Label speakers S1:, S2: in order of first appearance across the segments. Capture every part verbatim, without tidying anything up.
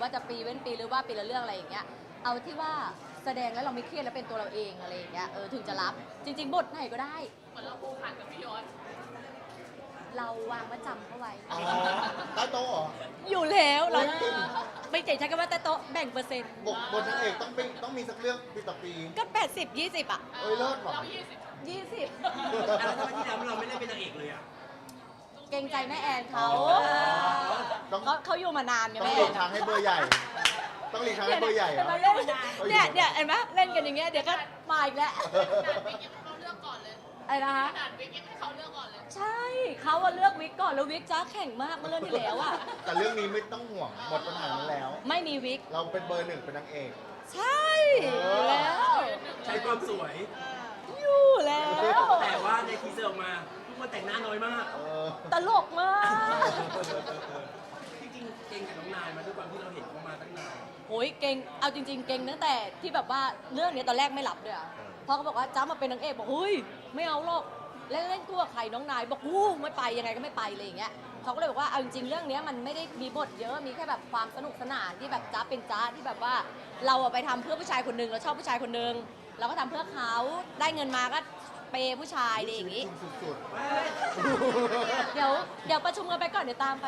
S1: ว่าจะปีเว้นปีหรือว่าปีละเรื่องอะไรอย่างเงี้ยเอาที่ว่าแสดงแล้วเราไม่เครียดแล้วเป็นตัวเราเองอะไรอย่างเงี้ยเออถึงจะรับจริงๆบทไหนก็ได้
S2: เหมือนเราผูกพันกับพี่ยศ
S1: เราวางประจำเข้าไว้
S3: อ๋อใต้โต๊ะเหรอ
S1: อยู่แล้วเราไม่เจ๋งใช้คำว่าแต่โต๊ะแบ่งเปอร์เซ็นต์
S3: บทบทนางเอกต้องเป็นต้องมีสักเรื่องปีต่อปี
S1: ก็แปดสิบยี่สิบอ่ะ
S3: เอ้ยเลิศว่ะ
S2: เรายี่สิบ
S1: ยี่สิบ
S4: แล้วทำไมที่แล้วเราไม่ได้เป็นนางเอกเลยอ่ะ
S1: เกรงใจแม่แอนเขา
S3: ต้อง
S1: เขาเขาอยู่มานานไง
S3: ต้อง
S1: แม่
S3: หลีกทางให้เบอร์ใหญ่ ต้องหลีกทางให้เบอร์ใหญ่เหรอ
S1: เล่นเนี่ยเนี่ยเห็นไหมเล่นกันอย่างเงี้ยเดี๋ยวก็มาอีกแล้ว
S2: ขนาดวิกยังเขาเลือกก่อนเลย
S1: อะไรนะคะ
S2: ขนาดวิกยังเขาเลือกก่อนเลย
S1: ใช่เขาอะเลือกวิกก่อนแล้ววิกจ้าแข่งมากเมื่อเรื่องที่แล้วอะ
S3: แต่เรื่องนี้ไม่ต้องห่วงหมดปัญหานั้นแล้ว
S1: ไม่มีวิก
S3: เราเป็นเบอร์หนึ่งเป็นนางเอก
S1: ใช่อยู่แล้ว
S4: ใช้ความสวย
S1: อยู่แล้ว
S4: แต่ว่าในทีเซอร์ออกมาทุกคนแต่งหน้าน้อยมาก
S3: เออ
S1: ตลกมาก
S4: จริงๆเก่งกับน้องนายมาด้วยความที่เราเห็นเขามาตั้งนาน
S1: โอ้ยเก่งเอาจริง ๆ เก่งตั้งแต่ที่แบบว่าเรื่องนี้ตอนแรกไม่รับด้วยอะเพราะเขาบอกว่าจ้ามาเป็นนางเอกบอกเฮ้ยไม่เอาหรอกเล่นเล่นคู่กับใครน้องนายบอกอู้ไม่ไปยังไงก็ไม่ไปอะไรอย่างเงี้ยเขาก็เลยบอกว่าเอาจริงๆเรื่องนี้มันไม่ได้มีบทเยอะมีแค่แบบความสนุกสนานที่แบบจ้าเป็นจ้าที่แบบว่าเราอะไปทำเพื่อผู้ชายคนหนึ่งเราชอบผู้ชายคนหนึ่งเราก็ทำเพื่อเขาได้เงินมาก็เปย์ผู้ชายอะไรอย่างงี้
S3: สุด
S1: เดี๋ยวเดี๋ยวประชุมกันไปก่อนเดี๋ยวตามไป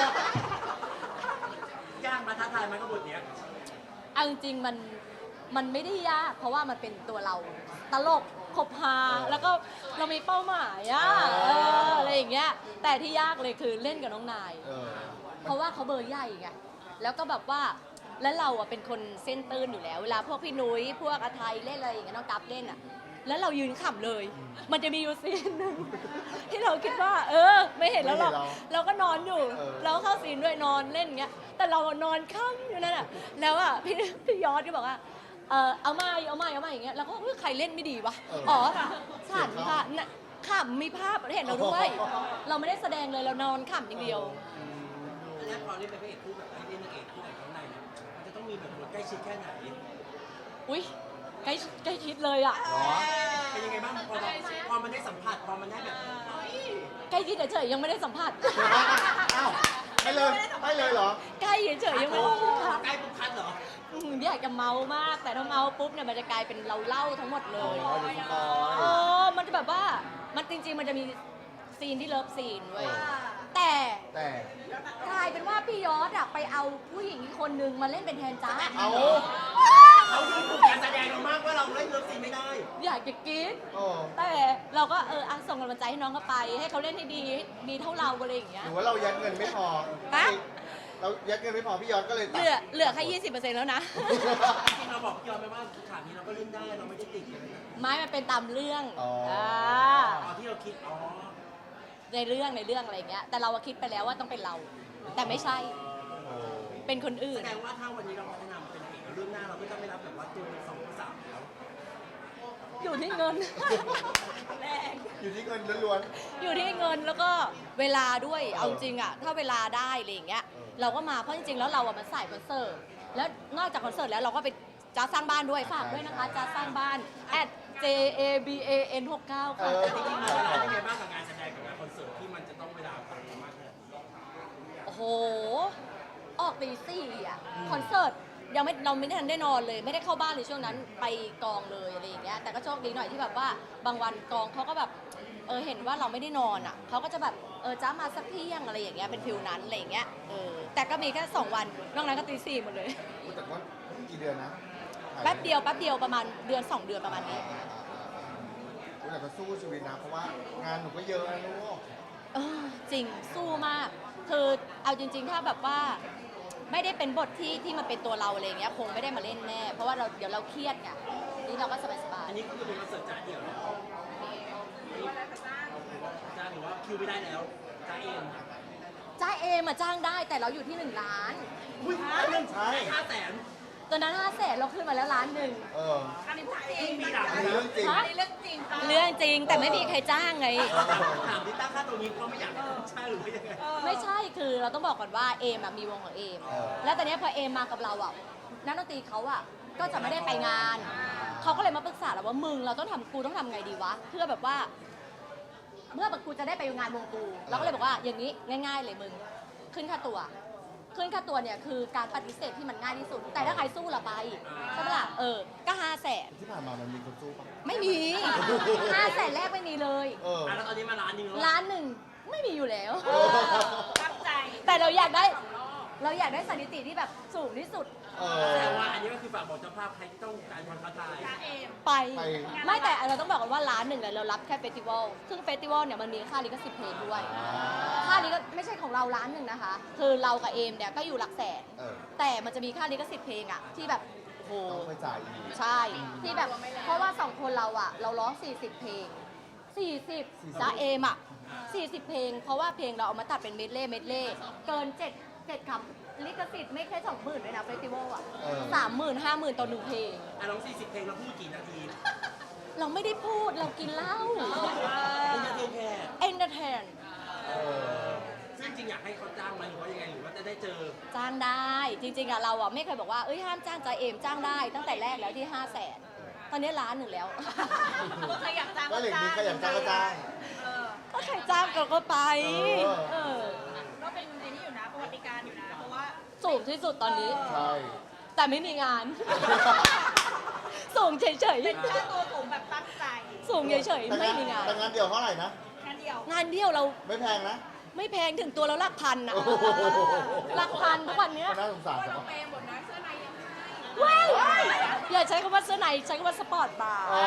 S4: ยากมาท้าทายมันก็บทเนี้ย
S1: เอาจริงๆมันมันไม่ได้ยากเพราะว่ามันเป็นตัวเราตลกคบหาแล้วก็เรามีเป้าหมายอะเอออะไรอย่างเงี้ยแต่ที่ยากเลยคือเล่นกับน้องนาย
S3: ๆเออ
S1: เพราะว่าเขาเบอร์ใหญ่ไงแล้วก็แบบว่าแล้วเราอะเป็นคนเส้นตื้นอยู่แล้วเวลาพวกพี่นุ้ยพวกอาไทยเล่นอะไรอย่างเงี้ยน้องกัฟเล่นอะแล้วเรายืนขำเลย มันจะมีอยู่ซีนหนึ่ง ที่เราคิดว่า เออ ไม่เห็นแล้วหรอกเราก็นอนอยู่ เราเข้าซีนด้วยนอนเล่นอย่างเงี้ยแต่เรานอนค่ำอยู่นั่นอะแล้วอะพี่พี่ยอดก็บอกว่าเออเอามาเอามาเอามาอย่างเงี้ยแล้วก็เฮ้ยใครเล่นไม่ดีวะอ๋อฉันค่ะขำมีภาพเห็นเราด้วย เราไม่ได้แสดงเลยเรานอนขำอย่างเดียว
S4: แล้วพอเล่นเป็นพระเอกคู่แบบเล่นนางเอกคู่กับน้องนายเนี่ยมันจะต้องมีแบบบทใกล้ชิดแค่ไหน
S1: อุ้ยใกล้ใกล้ชิดเลยอะ
S3: เหรอ
S4: เป็นยังไงบ้างพอเราพอมันได้สัมผัสพอมันได้แบบเฮ้ย
S1: ใกล้ชิดเฉยๆยังไม่ได้สัมผัส
S3: อ้าวให้เลยให้เลยเหรอ
S1: ใกล้เฉยๆยังไม่ได้สัมผัส
S4: ใกล้ปุ๊บคัดเหรอ
S1: อืมอยากจะเมามาก แต่ถ้าเมาปุ๊บเนี่ยมันจะกลายเป็นเราเล่าทั้งหมดเลย
S3: อ๋อเดี๋ยวสปอย
S1: เออมันจะแบบว่ามันจริงๆมันจะมีซีนที่เลิฟซีนเว้ยแต่
S3: แต่
S1: กลายเป็นว่าพี่ยอดอะไปเอาผู้หญิงอีกคนนึงมาเล่นเป็นแทนจ้า
S3: เอา
S4: เขาดูถูกการแสดงเรามากว่าเราเล่นเลิฟซีนไม่ได้
S1: อยากจะกรี๊ด
S3: โอ้
S1: แต่เราก็เอออ่ะส่งกำลังใจให้น้องเขาไป ให้เขาเล่นให้ดีดีเท่าเราอะไรอย่างเงี้
S3: ห
S1: ย
S3: รือว่าเรายัดเงินไม่พอ
S1: ฮะ
S3: เรายัดเงินไม่พอพี่ยอดก็เลย
S1: เห
S3: ตัด
S1: ลือเหลือแค่ยี่สิบเปอร์เซ็นต์แล้วนะ
S4: จริงๆเราบอกพี่ยอมไปว่าฉากนี้เราก็เล่นได้เราไม่ได้ติดเลยนะ
S1: ไม้มันเป็นตามเรื่อง
S3: อ๋ออ่
S1: า
S4: อ๋อที่เราคิดอ๋อ
S1: ในเรื่องในเรื่องอะไรเงี้ย แต่เราอะคิดไปแล้วว่าต้องเป็นเรา แต่ไม่ใช่
S3: โอ้
S1: เป็นคนอื่
S4: แส
S1: น
S4: ดงว่าถ้าวันนี้เราพัฒนาเป็นนางเอกแล้วเรื่องหน้าเราไม่ต้องไม่รับแบบว่าตัวเป็นสองตัวสามแล้ว
S1: อยู่ที่เงิน
S3: อยู่ที่เงินล้วน
S1: อยู่ที่เงินแล้วก็เวลาด้วย เอาจริงอะถ้าเวลาได้อะไรอย่างเงี้ย เราก็มา เพราะจริงๆ แล้วเราอะมันสายคอนเสิร์ต แล้วนอกจากคอนเสิร์ตแล้วเราก็ไปจ้าสร้างบ้านด้วย ฝากด้วยนะคะจ้าสร้างบ้าน at j a b a n หกเก้า
S3: ๆเอ
S1: ค่ะ
S3: อ
S4: แต่จริงๆเราเวลาเป็นไงบ้างกับงานแสดงกับงานคอนเสิร์ตที่มันจะต้องเวลาต่างกันมากขนาดนี้
S1: โอ้โห ออกตีสี่อะคอนเสิร์ตยังไม่เราไม่ทันได้นอนเลย ไม่ได้เข้าบ้านเลยช่วงนั้นไปกองเลยอะไรอย่างเงี้ยแต่ก็โชคดีหน่อยที่แบบว่าบางวันกองเขาก็แบบเออเห็นว่าเราไม่ได้นอนอ่ะเขาก็จะแบบเออจ้ามาสักเที่ยงอะไรอย่างเงี้ยเป็นฟิลนั้นอะไรอย่างเงี้ยเออแต่ก็มีแค่สองวันนอกนั้นก็ตีสี่หมดเลย
S3: แต่ว่ากี่เดือนนะ
S1: แป๊บเดียวแป๊บเดียวประมาณเดือนสองเดือนประมาณนี้
S3: อ่าๆๆแต่ก็สู้ชีวิตนะเพราะว่างานหนูก็เยอะนะลูก
S1: เออจริงสู้มาก คือเอาจริง ๆ ถ้าแบบว่าไม่ได้เป็นบทที่ที่มันเป็นตัวเราอะไรอย่างเงี้ยคงไม่ได้มาเล่นแน่เพราะว่าเราเดี๋ยวเราเครียดไงนี่เราก็สบาย
S4: อันนี้คือเป็นคอนเสิร์ตจ้าเดี่ยวแล้วจ้าหรือว่าคิวไม่ได้แล้วจ้าเอง
S1: ๆจ้าเอมาจ้างได้แต่เราอยู่ที่หนึ่งล้าน
S4: อุ้ย
S3: ใช่
S4: ห้าแสน
S1: ตอนนั้นห้าแสนเราขึ้นมาแล้วล้านหนึ่ง
S3: เออ
S2: อันนี้พูดจริง
S4: มีหลัก
S3: อันนี้เรื่องจริง
S1: ฮะ
S2: อันนี้เรื่องจริงค่ะ
S1: เรื่องจริงแต่ไม่มีใครจ้างไง
S4: ถามที่ตั้งค่าตัวนี้เพราะไม่อยากให้ใช่หรือไม่ยังไง
S1: ไม่ใช่คือเราต้องบอกก่อนว่าเอมอะมีวงของเอม
S3: เออ
S1: แล้วตอนนี้พอเอมมากับเราอ่ะนักดนตรีเขาอ่ะก็จะไม่ได้ไปงาน เขาก็เลยมาปรึกษาเราว่ามึงเราต้องทำกูต้องทำไงดีวะเพื่อแบบว่า เมื่อแบบกูจะได้ไปงานวงกูเราก็เลยบอกว่าอย่างนี้ง่าย ๆ เลยมึงขึ้นค่าตัวขึ้นค่าตัวเนี่ยคือการปฏิเสธที่มันง่ายที่สุด แต่ถ้าใครสู้เราไปใช่ไหมล่ะเออก็ห้าแสน
S3: ที่ผ่านมามันมีคนสู้ปะ
S1: ไม่มีห้าแสนแรกไม่มีเลย
S3: เออ
S4: อ่ะแล้วตอนนี้มาร้านหนึงแล้ว
S1: ล้านหนึ่งไม่มีอยู่แล้ว
S2: ตั้งใจ
S1: แต่เราอยากได้ เราอยากได้สถิติที่แบบสูงที่สุด
S3: เอ
S4: แส
S3: อ
S4: ดงว่าอันนี้ก็คือฝากบอกเจ้าภาพใครที่ต้องการความท้าทาย
S2: จ้าเอม
S1: ไป
S3: ไป
S1: ไม่แต่เราต้องบอกกันว่าร้านหนึ่งเนี่ยเรารับแค่เฟสติวัลซึ่งเฟสติวัลเนี่ยมันมีค่าลิขสิทธิ์เพลงด้วย ค่าลิขไม่ใช่ของเราร้านหนึ่งนะคะ คือเรากับเอมเนี่ยก็อยู่หลักแสน
S3: เออ
S1: แต่มันจะมีค่าลิขสิทธิ์เพลงอะที่แบบโอ้โห
S3: ต้องไปจ่ายอีก
S1: ใช่ ที่แบบ เพราะว่าสองคนเราอะเราร้อง สี่สิบ เพลง สี่สิบจ้าเอมอะสี่สิบ เพลง เพราะว่าเพลงเราเอามาตัดเป็นเมดเล่เมดเล่เกินเจ็ดเจ็ดคำลิขสิทธิ์ไม่แค่สองหมื่นเลยนะเฟสติวัลอะ
S3: เออ
S1: สามหมื่นห้าหมื่นต่อหนึ่งเพลง
S4: อ่ะน้องสี่สิบเพลงเราพูดกี่นาที
S1: เราไม่ได้พูดเรากินเหล้า
S4: เป็นนาทีแค่
S1: เอนเตอร์เทน
S3: เออ
S4: ซึ่งจริงอยากให้เขาจ้างไหมหรือว่ายังไงหรือว่าจะได้เจอ
S1: จ้างได้ จริงๆอะเราอะไม่เคยบอกว่าเอ้ยห้ามจ้างใจาเอมจ้างได้ ตั้งแต่แรกแล้วที่ห้าแสนตอนนี้ล้านหนึ่งแล้ว
S2: ก็ใครอยากจ้าง
S3: ก็เหล็กนี้ขยันจ้างก็จ้าง
S2: เออ
S1: ก็ใครจ้างก็ก็ไป
S3: เออ
S1: เออ
S2: ก็เป็นไอ้นี่อยู่นะประวัติการณ์อยู่นะ เพราะว่า
S1: สูงที่สุดตอนนี้
S3: ใช่
S1: แต่ไม่มีงาน สูงเฉย
S2: เป็นค่าตัวสูงแบบตั้งใจ
S1: ๆ สูงเฉย
S3: แต่
S1: ๆ ไม่มีงาน
S3: แต่งานเดียวเท่าไหร่นะ
S2: แค่เดียว
S1: งานเดียวเรา
S3: ไม่แพงนะ
S1: ไม่แพงถึงตัวเราหลักพันนะ
S3: โอ้โห
S1: หลักพันทุกวันเนี้ย
S3: ก็น่าสงสาร
S2: ว่า
S3: เน
S2: เรา
S3: อะ
S2: เปย์หมดนะเสื้อในยังให้
S1: ว้ายอย่าใช้คำว่าเสื้อในใช้คำว่าสปอร์ตบาร์
S3: อ๋อ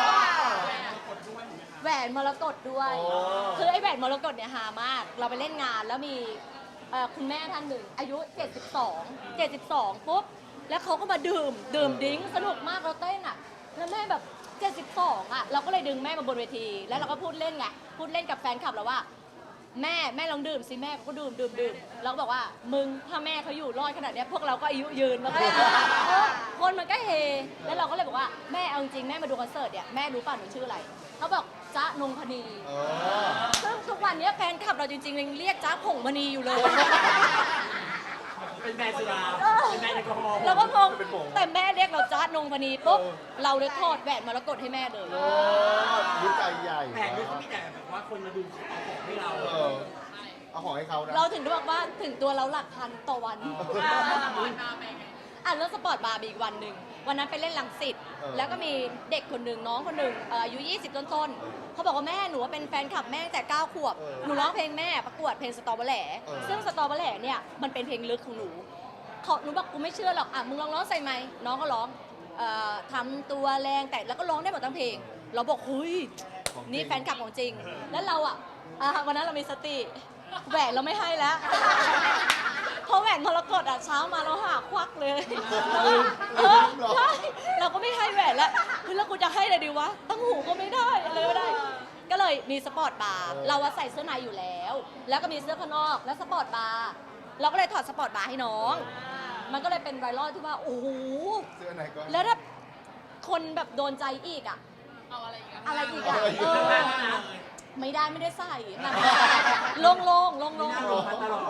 S1: แหวนมรกตด้วย
S3: โอ้
S1: คือไอ้แหวนมรกตเนี่ยหามาก เราไปเล่นงานแล้วมีเอ่อคุณแม่ท่านหนึ่ง อายุ เจ็ดสิบสอง เจ็ดสิบสอง ปุ๊บ แล้วเขาก็มาดื่ม ดื่มดิ้งสนุกมากเราเต้นอ่ะ แล้วแม่แบบ เจ็ดสิบสอง อ่ะ เราก็เลยดึงแม่มาบนเวที แล้วเราก็พูดเล่นไง พูดเล่นกับแฟนคลับเราว่า แม่แม่ลองดื่มสิแม่ก็ดื่มดื่มดื่มเราก็บอกว่ามึงถ้าแม่เขาอยู่รอดขนาดเนี้ยพวกเราก็อายุยืนแล้วก็เลยเออคนมันก็เฮแล้วเราก็เลยบอกว่าแม่เอาจริงแม่มาดูคอนเสิร์ตเนี่ยแม่รู้ป่ะหนูชื่ออะไรเขาบอกจ๊ะนงพนี
S3: เออ
S1: ซึ่งทุกวันเนี้ยแฟนคลับเราจริงๆยังเรียกจ๊ะผงมณีอยู่เลย
S4: เป็นแบรนด์สุราเป็นแบรนด์แอลกอฮอล์
S1: เราก็งง
S3: เป็นผง
S1: แต่แม่เรียกเราจ๊ะนงพนีปุ๊บ
S3: เออ
S1: เราเลยทอดแหวนมรกตให้แม่เลย
S3: โอ้รู้ใจใหญ่
S4: แผงนี้เขามีแต่แบบว่าคนมาดูเขาเอาของให้เรา
S3: เออ เอาของให้เขานะ
S1: เราถึงได้บอกว่าถึงตัวเราหลักพันต่อวัน
S2: อ่าวันมาไปไง
S1: อ่ะเรื่องสปอร์ตบาร์มีอีกวันหนึ่งวันนั้นไปเล่นลังสิต
S3: เออ
S1: แล้วก็มีเด็กคนหนึ่งน้องคนหนึ่งเอ่ออายุยี่สิบต้นๆเขาบอกว่าแม่หนูว่าเป็นแฟนคลับแม่ตั้งแต่เก้าขวบ
S3: เออ
S1: หนูร้องเพลงแม่ประกวดเพลงสตอเบอร์แหล่
S3: เออ
S1: ซึ่งสตอเบอร์แหล่เนี่ยมันเป็นเพลงลึกของหนูเขาหนูบอกกูไม่เชื่อหรอกอ่ะมึงลองร้องใส่ไหมค์น้องก็ร้องเอ่อทำตัวแรงแต่แล้วก็ร้องได้หมดทั้งเพลง เราบอกเฮ้ย
S3: ของจริง
S1: นี่แฟนคลับของจริง แล้วเราอ่ะอ่ะวันนั้นเรามีสติแหวนเราไม่ให้แล้ว เพราะแหวนมรกตอ่ะเช้ามาเราหาควักเลยแล้วก็เออใช่เราก็ไม่ให้แหวนแล้วคือแล้วกูจะให้อะไรดีวะตั้งหูก็ไม่ได้อะไรไม่ได้ ก็เลยมีสปอร์ตบาร์เราอะใส่เสื้อในอยู่แล้ว แล้วก็มีเสื้อข้างนอกแล้วสปอร์ตบาร์เราก็เลยถอดสปอร์ตบาร์ให้น้อง มันก็เลยเป็นไวรัลที่ว่าโอ้โห
S3: เสื้อไหนก็
S1: แล้วถ้าคนแบบโดนใจอีกอะ
S2: เอาอะไรอีกอะ
S1: อะไรอีกอะ
S3: อะไรอีก
S1: เออไม่ได้ไม่ได้ใส่หนังโล่งๆโล่งๆโล่ง
S4: หน้าลงพันตลอด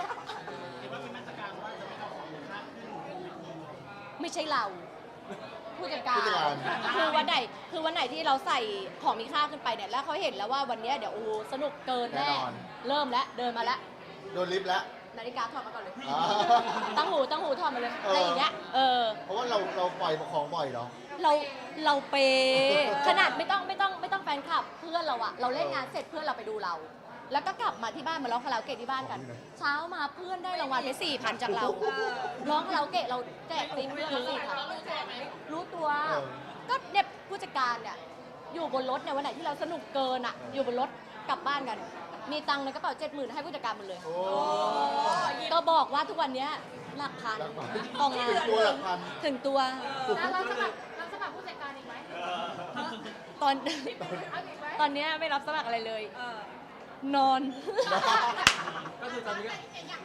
S1: ไม่ใช่เราผู้จัดการ
S3: ผู้จัดการ
S1: คือวันไหนคือวันไหนที่เราใส่ของมีค่าขึ้นไปเนี่ยแล้วเขาเห็นแล้วว่าวันเนี้ยเดี๋ยวโอ้โหสนุกเกินแน่เริ่มแล้วเดินมาแล้ว
S3: โดนลิฟต์แล้ว
S1: นาฬิกาถอดมาก่อนเลย
S3: อ่า
S1: ตั้งหูตั้งหูถอดมาเลย
S3: เอออ
S1: อะไรอย่างเงี้ยเออ
S3: เพราะว่าเราเราปล่อยของบ่อยเนาะ
S1: เราเราเปย์ขนาดไม่ต้องไม่ต้องไม่ต้องแฟนคลับเพื่อนเราอะเราเล่นงานเสร็จเพื่อนเราไปดูเรา แล้วก็กลับมาที่บ้านมาร้องคาราโอเกะที่บ้านกัน เช้ามาเพื่อนได้รางวัลไปสี่พันจากเราร้องคาราโอเกะเราแจกติ๊บเพื่อนละสี่พัน
S2: เรารู้ตัวไหม
S1: รู้ตัว
S3: เออ
S1: ก็เนี่ยผู้จัดการเนี่ยอยู่บนรถเนี่ยวันไหนที่เราสนุกเกินอะอยู่บนรถกลับบ้านกัน มีตังค์ในกระเป๋าเจ็ดหมื่นให้ผู้จัดการหมดเลย
S3: โอ้
S1: ก็บอกว่าทุกวันเนี้ยหลักพัน
S3: หลักพัน
S1: ต่องาน
S3: ถึงตัวหลักพัน
S1: ถึงตัว
S2: แล้วเราสมัครเราสมัครผู้จัดการอีกไหม
S1: ตอน
S2: เอาอีกไหม
S1: ตอนเนี้ยไม่รับสมัครอะไรเลย
S2: เออน
S1: อน
S4: ก็คือตอนนี้ก็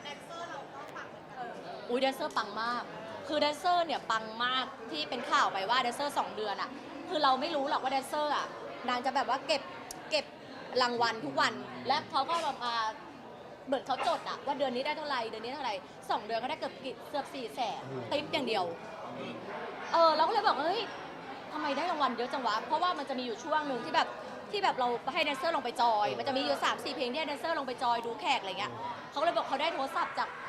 S1: อุ้ยแดนเซอร์ปังมาก คือแดนเซอร์เนี่ยปังมากที่เป็นข่าวไปว่าแดนเซอร์สองเดือนอะคือเราไม่รู้หรอกว่าแดนเซอร์อะนางจะแบบว่าเก็บเก็บรางวัลทุกวัน และเขาก็แบบมาเหมือนเขาจดอะว่าเดือนนี้ได้เท่าไหร่เดือนนี้เท่าไหร่สองเดือนก็ได้เกือบกี่เกือบสี่แสนติ๊ปอย่างเดียว เออเราก็เลยบอกเฮ้ยทำไมได้รางวัลเยอะจังวะ เพราะว่ามันจะมีอยู่ช่วงหนึ่งที่แบบที่แบบเราให้แดนเซอร์ลงไปจอย มันจะมีอยู่สามสี่เพลงที่ให้แดนเซอร์ลงไปจอยดูแขกอะไรเงี้ยเขาก็เลยบอกเขาได้โทรศัพท์จาก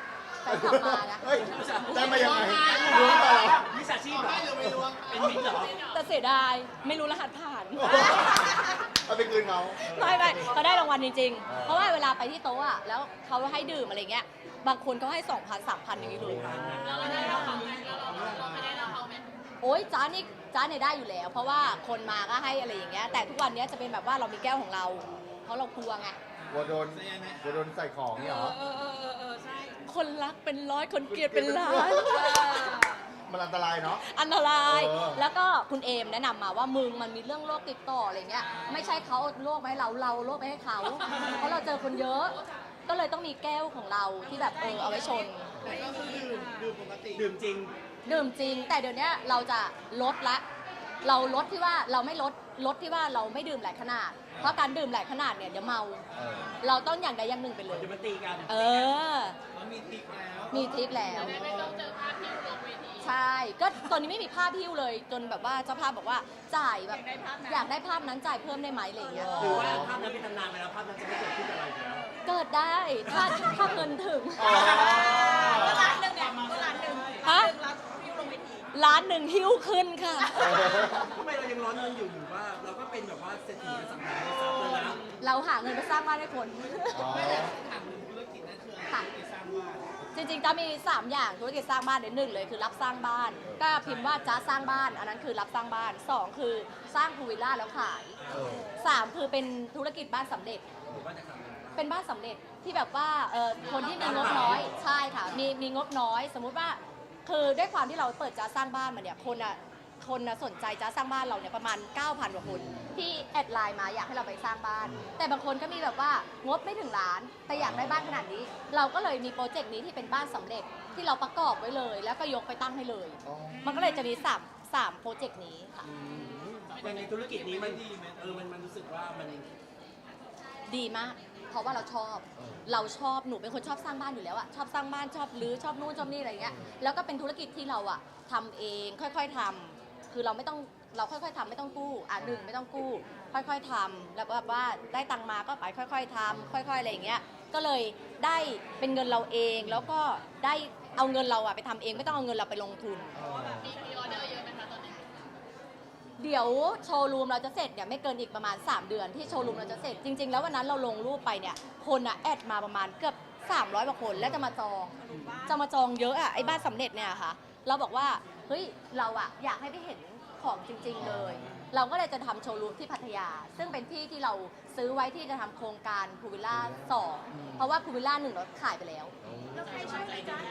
S1: แฟนคลับมานะ
S3: เฮ้ยได้มายังไงรู้มาเหรอ
S4: มิจฉาชีพเหรอเป็นมิจเหรอ
S1: แต่เสียดายไม่รู้รหัสผ่าน
S3: เอาไปคืนเขา
S1: ไม่ไม่เขาได้รางวัลจริง
S3: อ่า
S1: ๆ เพราะว่าเวลาไปที่โต๊ะอะแล้วเขาให้ดื่มอะไรเงี้ย บางคนเขาให้สองพันสามพันอย่างนี้เลย
S2: แล้วเราได้เราเขาไหมแล้วเราเราไม่ได้เราเขาไหม
S1: โอ๊ยจ้านี่จ้าเนี่ยได้อยู่แล้ว เพราะว่าคนมาก็ให้อะไรอย่างเงี้ย แต่ทุกวันเนี้ยจะเป็นแบบว่าเรามีแก้วของเรา เพราะเรากลัวไง
S3: กลัวโดนกลัวโดนใส่ของเนี่ยเหรอ
S2: เออเออเออเออใช่
S1: คนรักเป็นร้อยคนเกลียดเป็นล้าน
S3: มันอันตรายเนาะ
S1: อันตราย
S3: เออ
S1: แล้วก็คุณเอมแนะนำมาว่ามึงมันมีเรื่องโรคติดต่ออะไรเงี้ย ไม่ใช่เขาเอาโรคมาให้เรา เราเอาโรคไปให้เขา เพราะเราเจอคนเยอะ ก็เลยต้องมีแก้วของเราที่แบบเออเอาไว้ชน
S4: ดื่มจริง
S1: ดื่มจริง แต่เดี๋ยวนี้เราจะลดละ เราลดที่ว่าเราไม่ลด ลดที่ว่าเราไม่ดื่มหลายขนาด เพราะการดื่มหลายขนาดเนี่ยเดี๋ยวเมา
S3: เออ
S1: เราต้องอย่างใดอย่างหนึ่งไปเลย
S4: เดี๋ยวมันตีกัน
S1: เออ
S4: มีติ๊กแล้ว
S1: มีทริปแล้ว
S2: ไม่ต้องเจอภาพที่ลงเวที
S1: ใช่ ก็ตอนนี้ไม่มีภาพพิ้วเลย จนแบบว่าเจ้าภาพบอกว่าจ่ายแบบอยากได้ภาพนั้นจ่ายเพิ่มได้ไหมอะไรอย่างเงี้ย
S4: หรือว่าภาพนั้นเป็นตำนานไปแล้วภาพนั้นจะไม่เกิดขึ้นกับเราอีกแล้ว
S1: เกิดได้ถ้าถ้าเงินถึง
S3: อ๋อ
S2: ร้านหนึ่งเนี่ยร้านหนึ่ง
S1: ฮะ
S2: ร้านที่ลงเวที
S1: ล้านหนึ่งหิ้วขึ้นค่ะ
S4: ทำไมเรายังร้อนเงินอยู่อยู่ว่าเราก็เป็นแบบว่าเศรษฐีอสังหาริมทรัพย์แล้วนะ
S1: เราหาเงินไปสร้างบ้านให้คน
S3: อ๋อ
S1: ค่ะจริงๆจะมี สาม อย่างธุรกิจสร้างบ้านเดี๋ยวหนึ่งเลยคือรับสร้างบ้าน ก็พิมพ์ว่าจ้าสร้างบ้าน อันนั้นคือรับสร้างบ้านสองคือสร้างพูลวิลล่าแล้วขาย
S3: เออ
S1: สามคือเป็นธุรกิจบ้านสำเร็จ
S4: หรือว่าจะทำอะไร
S1: เป็นบ้านสำเร็จที่แบบว่าเออคนที่มีงบน้อยใช่ค่ะมีมีงบน้อย สมมุติว่าคือด้วยความที่เราเปิดจ้าสร้างบ้านมาเนี่ยคนอ่ะคนน่ะสนใจจ้าสร้างบ้านเราเนี่ยประมาณ เก้าพัน กว่าคนที่แอดไลน์มาอยากให้เราไปสร้างบ้าน แต่บางคนก็มีแบบว่างบไม่ถึงล้าน แต่อยากได้บ้านขนาดนี้ เราก็เลยมีโปรเจกต์นี้ที่เป็นบ้านสำเร็จที่เราประกอบไว้เลย แล้วก็ยกไปตั้งให้เลย
S3: อ๋อ
S1: มันก็เลยจะมีสามสามโปรเจกต์นี้ค่ะ
S4: ในธุรกิจนี้มันเออมันมันรู้สึกว่ามัน
S1: ดีมาก เพราะว่าเราชอบ
S3: เออ
S1: เราชอบ หนูเป็นคนชอบสร้างบ้านอยู่แล้วอะชอบสร้างบ้าน ชอบรื้อ ชอบนู่น ชอบนี่อะไรเงี้ย แล้วก็เป็นธุรกิจที่เราอะทำเอง ค่อยๆทำคือเราไม่ต้อง เราค่อยๆทำไม่ต้องกู้ อ่ะหนึ่งไม่ต้องกู้ ค่อยๆทำแล้วแบบว่าได้ตังค์มาก็ไปค่อย ๆทำค่อย ๆอะไรอย่างเงี้ย ก็เลยได้เป็นเงินเราเอง แล้วก็ได้เอาเงินเราอะไปทำเอง ไม่ต้องเอาเงินเราไปลงทุน
S3: อ๋อ
S2: มีพรีออเดอร์เยอะไหมคะตอนนี้
S1: เดี๋ยวโชว์รูมเราจะเสร็จเนี่ยไม่เกินอีกประมาณ สาม เดือนที่โชว์รูมเราจะเสร็จจริง ๆ แล้ววันนั้นเราลงรูปไปเนี่ยคนอะแอดมาประมาณเกือบสามร้อยกว่าคนแล้วจะมาจองจะมาจองเยอะอะไอ้บ้านสำเร็จเนี่ยค่ะเราบอกว่าเฮ้ยเราอะอยากให้ได้เห็นของจริง ๆ เลย เราก็เลยจะทำโชว์รูมที่พัทยา ซึ่งเป็นที่ที่เราซื้อไว้ที่จะทำโครงการพูวิลล่าสองเพราะว่าพูวิลล่าหนึ่งเราขายไปแล้ว
S2: แล้วใครช่วยเลยจ้า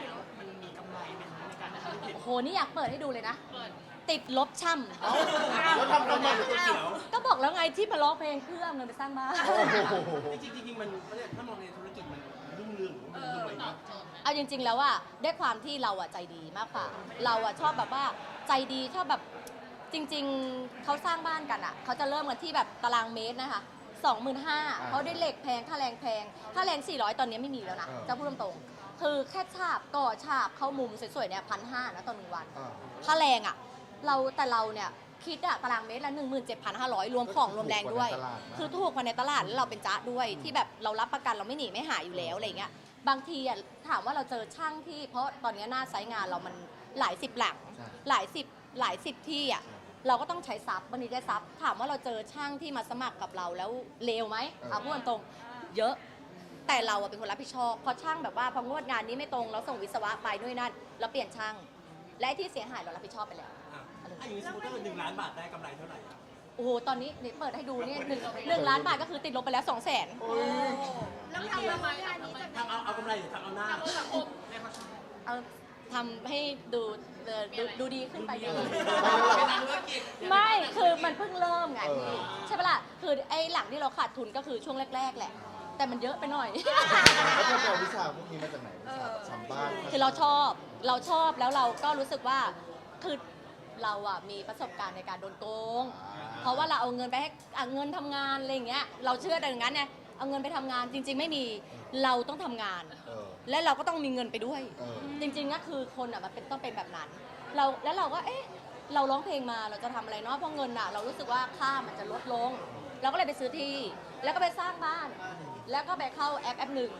S1: โอ้โหนี่อยากเปิดให้ดูเลยนะ
S2: เปิด
S1: ติดลบช่ำ
S3: เอ้าแล้วทำทำไม
S4: ก๋วยเตี๋ยว
S1: ก็บอกแล้วไงที่มาร้องเพลงเพื่อเอาเงินไปสร้างบ้าน
S3: โอ้โห
S4: จริงๆจริงๆมันถ้ามองในธุรกิจมันรุ่งเรืองหรือว่ามันรวย
S2: ตอ
S4: นะ
S2: บโจทย์ไหม
S1: เอาจริง ๆ แล้วอะด้วยความที่เราอะใจดีมากกว่า เราอะชอบแบบว่าใจดีชอบแบบจริง ๆเขาสร้างบ้านกันอะเขาจะเริ่มกันที่แบบตารางเมตรนะคะสองหมื่นห้าเขาได้เหล็กแพงค่าแรงแพงค่าแรงสี่ร้อยตอนนี้ไม่มีแล้วนะจะพูดตรงๆคือแค่ฉาบก่อฉาบเข้ามุมสวยๆเนี่ยพันห้านะต่อหนึ่งวัน
S3: อ่า
S1: ค่าแรงอะเราแต่เราเนี่ยคิดอะตารางเมตรละหนึ่งหมื่นเจ็ดพันห้าร้อยรวมของรวมแรงด้วย คือถูกกว่าในตลาดแล้วเราเป็นจ้าด้วยที่แบบเรารับประกันเราไม่หนีไม่หายอยู่แล้วอะไรเงี้ยบางทีอะถามว่าเราเจอช่างที่เพราะตอนนี้หน้าไซต์งานเรามันหลายสิบหลัง
S3: ใช่
S1: หลายสิบหลายสิบที่อ่ะเราก็ต้องใช้ซับบางทีได้ซับถามว่าเราเจอช่างที่มาสมัครกับเราแล้วเลวไหมเอาพูดตรงๆเยอะ แต่เราอะเป็นคนรับผิดชอบพอช่างแบบว่าพองวดงานนี้ไม่ตรงเราส่งวิศวะไปด้วยนั่นเราเปลี่ยนช่าง และไอ้ที่เสียหายเรารับผิดชอบไปแล้ว
S4: อ่ะถ้าอย่างนี้สมมติถ้าเกิดหนึ่งล้านบาทได้กำไรเท่าไหร่อะ
S1: โอ้โหตอนนี้นี่เปิดให้ดูนี่หนึ่งหนึ่งล้านบาทก็คือติดลบไปแล้วสองแสน
S3: โอ้ย
S2: แล้วทำทำไมทำทำไม
S4: ทำเอาเอากำไรหรือทำเอาหน้า
S2: ทำเพื่อสังคม
S1: เอาทำให้ดูเอ่อดูดูดีขึ้นไปดี
S2: เป็นนักธุรกิจ
S1: ไม่คือมันเพิ่งเริ่มไง
S3: เออ
S1: พี่ใช่ปะล่ะคือไอ้หลังที่เราขาดทุนก็คือช่วงแรก ๆ แหละ แต่มันเยอะไปหน่อย
S3: แล้วจะเอาวิชาพวกนี้มาจากไหนวิชาทำบ้าน
S1: คือเราชอบเราชอบแล้วเราก็รู้สึกว่าคือเราอะมีประสบการณ์ในการโดนโกง เพราะว่าเราเอาเงินไปให้อ่ะเงินทำงานอะไรอย่างเงี้ยเราเชื่อแต่อย่างนั้นไงเอาเงินไปทำงานจริง ๆ ไม่มีเราต้องทำงาน
S3: เออ
S1: และเราก็ต้องมีเงินไปด้วย
S3: เออ
S1: จริงๆก็คือคนอ่ะมันเป็นต้องเป็นแบบนั้น เราแล้วเราก็เอ๊ะเราร้องเพลงมาเราจะทำอะไรเนาะเพราะเงินอ่ะเรารู้สึกว่าค่ามันจะลดลง เราก็เลยไปซื้อที่ แล้วก็ไปสร้างบ้าน แล้วก็ไปเข้าแอปแอปหนึ่ง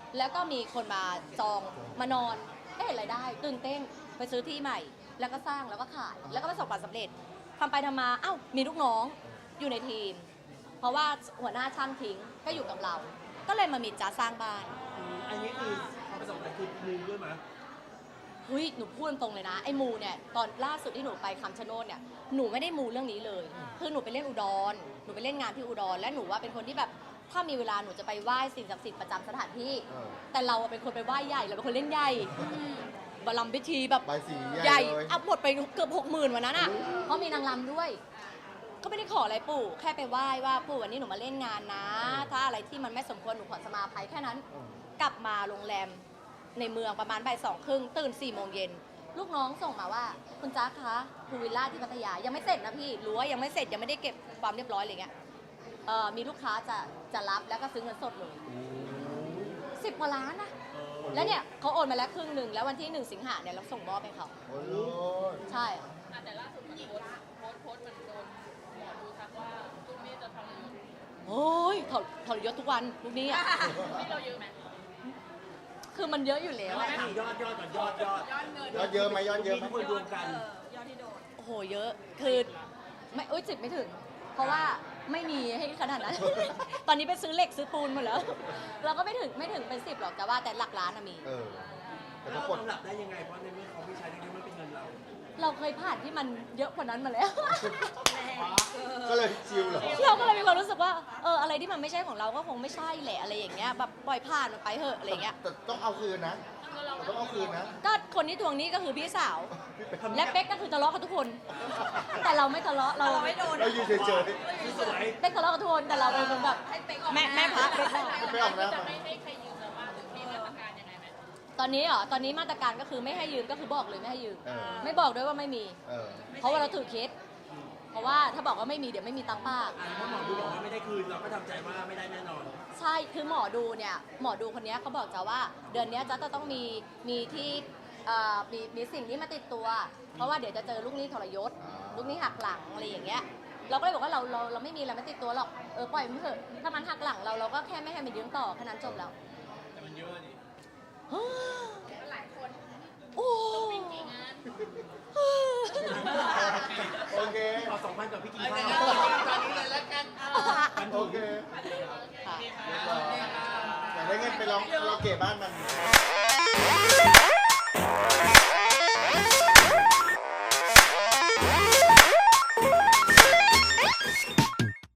S1: แล้วก็มีคนมาจองมานอนได้เห็นรายได้ตื่นเต้นไปซื้อที่ใหม่ แล้วก็สร้างแล้วก็ขาย แล้วก็ประสบความสำเร็จทำไปทำมาเอ้ามีลูกน้องอยู่ในทีม เพราะว่าหัวหน้าช่างทิ้งก็อยู่กับเรา ก็เลยมามีจ้าสร้างบ้าน
S4: อืมอันนี้คือความประสบการณ์คือมูด้วยมั้ย
S1: เฮ้ยหนูพูดตรงๆเลยนะไอ้มูเนี่ยตอนล่าสุดที่หนูไปคำชะโนดเนี่ยหนูไม่ได้มูเรื่องนี้เลยคือหนูไปเล่นอุดรหนูไปเล่นงานที่อุดรและหนูว่าเป็นคนที่แบบถ้ามีเวลาหนูจะไปไหว้สิ่งศักดิ์สิทธิ์ประจำสถานที่
S3: เออ
S1: แต่เราอะเป็นคนไปไหว้ใหญ่เราเป็นคนเล่นใหญ่บารมพิธีแบบ
S3: ใบสี
S1: ให
S3: ใหญ่
S1: ญ่
S3: เลย
S1: อัพหมดไปเกือบหกหมื่นวันนั้นอ่ะเพราะมีนางรำด้วย ก็ไม่ได้ขออะไรปู่แค่ไปไหว้ว่าปู่วันนี้หนูมาเล่นงานนะ ถ้าอะไรที่มันไม่สมควรหนูขอสมาภัยแค่นั้น
S3: เออ
S1: กลับมาโรงแรมในเมืองประมาณบ่ายสองครึ่งตื่นสี่โมงเย็นลูกน้องส่งมาว่าคุณจ๊ะคะพูลวิลล่าที่พัทยายังไม่เสร็จนะพี่รั้วยังไม่เสร็จยังไม่ได้เก็บความเรียบร้อยอะไรเงี้ยเอ่อมีลูกค้าจะจะรับแล้วก็ซื้อเงินสดเลยสิบกว่าล้านนะแล้วเนี่ยเขาโอนมาแล้วครึ่งหนึ่งแล้ววันที่หนึ่งสิงหาเนี่ยเราส่งมอบให้เขา
S3: โอ้โห
S1: ใช่
S2: อ่ะแต่ล่าสุดมันโพสต์โพสต์โพสต์มันโดนหมอดูทักว่าลูกนี้จะทรยศ
S1: โอ้ยถอดถอดยศทุกวันลูกนี้อ่ะ
S2: นี่เราเยอะไหม
S1: คือมันเยอะอยู่แล้ว
S4: ไม่
S1: อะ
S4: ถามยอดยอดก่อนยอดยอด
S2: ยอดเงิน
S3: ยอดเยอะไหมยอดเยอะไหม
S4: ทุกคนรวมกัน
S2: ยอดที่โดน
S1: โอ้โหเยอะคือไม่อุ้ยจิบไม่ถึง เพราะว่าไม่มีให้ขนาดนั้น ตอนนี้ไปซื้อเหล็กซื้อปูนหมดแล้ว เราก็ไม่ถึงไม่ถึงเป็นสิบหรอกแต่ว่าแต่หลักล้านอะมี
S3: เออแต่
S4: แล้
S3: ก็
S4: ว
S3: กด
S4: เราหลับได้ยังไง เพราะในเมื่อเขาไม่ใช้ในเมื่อมันเป็นเงินเรา
S1: เราเคยผ่านที่มันเยอะกว่านั้นมาแล้ว
S3: ก็เลยชิลเหรอ
S1: เราก็เลยมีความรู้สึกว่าเอออะไรที่มันไม่ใช่ของเราก็คงไม่ใช่แหละอะไรอย่างเงี้ยแบบปล่อยผ่านมันไปเถอะอะไรอย่างเงี้ย
S3: แต่ต้องเอาคืนนะแต่ต้องเอาคืนนะ
S1: ก็คนที่ทวงหนี้ก็คือพี่สาว และเป๊กก็คือทะเลาะกับทุกคน แต่เราไม่ทะเลาะเราไม่โดน
S3: เรายืนเฉย
S4: คือสวย
S1: เป๊กทะเลาะกับทุกคนแต่เราเป็นคนแบบแม่แม่พักเป๊กได้
S3: ๆไม่ออกนะ
S2: จะไม่ให้ใครยืมเราบ้างหรือมีมาตรการยังไงไหม
S1: ตอนนี้เหรอตอนนี้มาตรการก็คือไม่ให้ยืมก็คือบอกเลยไม่ให้ยืม
S3: เออ
S1: ไม่บอกด้วยว่าไม่มี
S3: เออ
S1: เพราะว่าเราถือเคสเพราะว่าถ้าบอกว่าไม่มีเดี๋ยวไม่มีตังค์ป้าก
S4: อ่ะเพราะหมอดูบอกว่าไม่ได้คืนเราก็ทำใจว่าไม่ได้แน่นอน
S1: ใช่ คือหมอดูเนี่ย หมอดูคนเนี้ยเขาบอกจะว่า เดือนเนี้ยจะต้องมี มีที่เอ่อมี มีสิ่งที่มาติดตัว เพราะว่าเดี๋ยวจะเจอลูกหนี้ทรยศ ลูกหนี้หักหลังอะไรอย่างเงี้ย เราก็เลยบอกว่าเราเราเราไม่มีอะไรไม่ติดตัวหรอก เออปล่อยมันเถอะ ถ้ามันหักหลังเราเราก็แค่ไม่ให้มันยืมต่อแค่นั้นจบแล้ว
S4: แต่มันเยอะดิ
S2: หลายคน
S1: โอ้
S2: กี่งาน
S3: โอเค
S4: ขอสองพันกับพี่กี
S2: ตอน
S4: ข้า
S2: นี้
S4: ว
S2: เลยแล้วกัน
S3: โอเค
S1: ค่ะ
S3: อยากได้เงินไปร้องคาราโอเกะบ้านมัน